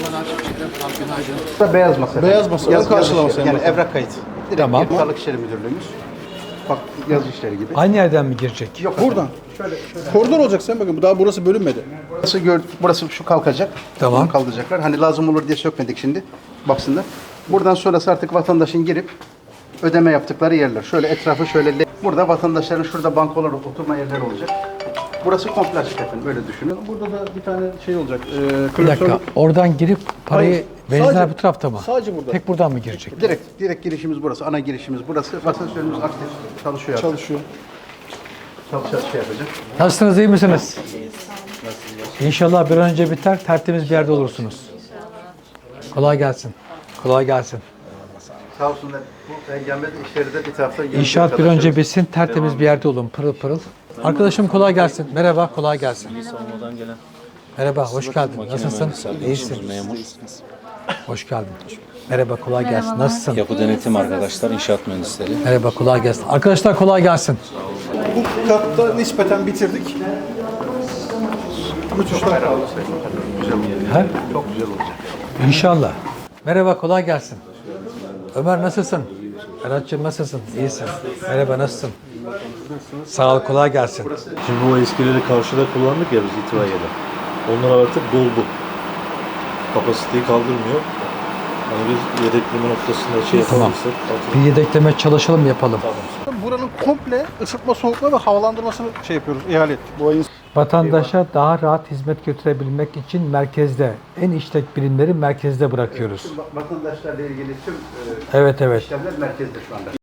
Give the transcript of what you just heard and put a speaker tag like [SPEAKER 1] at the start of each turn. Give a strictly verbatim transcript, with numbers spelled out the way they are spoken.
[SPEAKER 1] Burada beyaz masa.
[SPEAKER 2] Beyaz masa,
[SPEAKER 1] Yaz,
[SPEAKER 2] ön karşılama
[SPEAKER 1] yaz işleri,
[SPEAKER 2] sayın
[SPEAKER 1] yani
[SPEAKER 2] bakanım.
[SPEAKER 1] evrak kayıt. Direkt
[SPEAKER 3] Tamam.
[SPEAKER 1] tamam. Sağlık İşleri Müdürlüğümüz. Bak yaz işleri gibi.
[SPEAKER 3] Aynı yerden mi girecek?
[SPEAKER 1] Yok
[SPEAKER 2] Buradan. Koridor olacak sen bakın. Daha burası bölünmedi.
[SPEAKER 1] Burası, gör, burası şu kalkacak.
[SPEAKER 3] Tamam.
[SPEAKER 1] Bunu kaldıracaklar. Hani lazım olur diye sökmedik şimdi. Baksınlar. Buradan sonrası artık vatandaşın girip ödeme yaptıkları yerler. Şöyle etrafı şöyle. Burada vatandaşların şurada bankolar, oturma yerleri olacak. Burası komple açık efendim. Böyle düşünün.
[SPEAKER 2] Burada da bir tane şey olacak. E,
[SPEAKER 3] Bir dakika. Oradan girip parayı
[SPEAKER 2] Hayır,
[SPEAKER 3] benzinler
[SPEAKER 2] sadece-
[SPEAKER 3] bu tarafta mı?
[SPEAKER 2] sadece burada.
[SPEAKER 3] Tek buradan mı girecek?
[SPEAKER 1] Direkt, direkt girişimiz burası. Ana girişimiz burası. Vatandaşlarımız aktif çalışıyor. artık.
[SPEAKER 2] çalışıyor.
[SPEAKER 1] Çalışacak şey yapacak.
[SPEAKER 3] Nasılsınız, iyi misiniz? İnşallah bir an önce biter, tertemiz bir yerde olursunuz. Kolay gelsin. Kolay gelsin.
[SPEAKER 1] Sağ olsunlar. Bu engelmede işleri de bir taraftan yürütüyor
[SPEAKER 3] İnşaat bir
[SPEAKER 1] arkadaşlar.
[SPEAKER 3] önce bitsin, tertemiz bir yerde olun, pırıl pırıl. Arkadaşım kolay gelsin. Merhaba, kolay gelsin. Merhaba, hoş geldin. Nasılsın? İyisin. Hoş geldin. Merhaba, kolay gelsin. Nasılsın?
[SPEAKER 4] Yapı denetim arkadaşlar, inşaat mühendisleri.
[SPEAKER 3] Merhaba, kolay gelsin. Arkadaşlar kolay gelsin.
[SPEAKER 2] Bu katta nispeten bitirdik. Müthişler.
[SPEAKER 3] He?
[SPEAKER 1] Çok güzel olacak.
[SPEAKER 3] İnşallah. Merhaba, kolay gelsin. Ömer nasılsın? Berat'cığım nasılsın? İyisin. Merhaba, nasılsın? Sağ ol, kolay gelsin.
[SPEAKER 5] Şimdi bu eskileri karşıda kullandık ya biz itibariyle. Onlar artık doldu. Kapasiteyi kaldırmıyor. Hani biz yedekleme noktasında şey
[SPEAKER 3] Tamam.
[SPEAKER 5] yapabilirsek.
[SPEAKER 3] Bir yedekleme çalışalım, yapalım.
[SPEAKER 2] Buranın komple ısıtma, soğutma ve havalandırmasını şey yapıyoruz, ihale ettik. Bu ayın
[SPEAKER 3] Vatandaşa daha rahat hizmet götürebilmek için merkezde, en işlek birimleri merkezde bırakıyoruz.
[SPEAKER 1] Vatandaşlarla ilgili tüm e,
[SPEAKER 3] Evet, evet.
[SPEAKER 1] işlemler merkezde şu anda.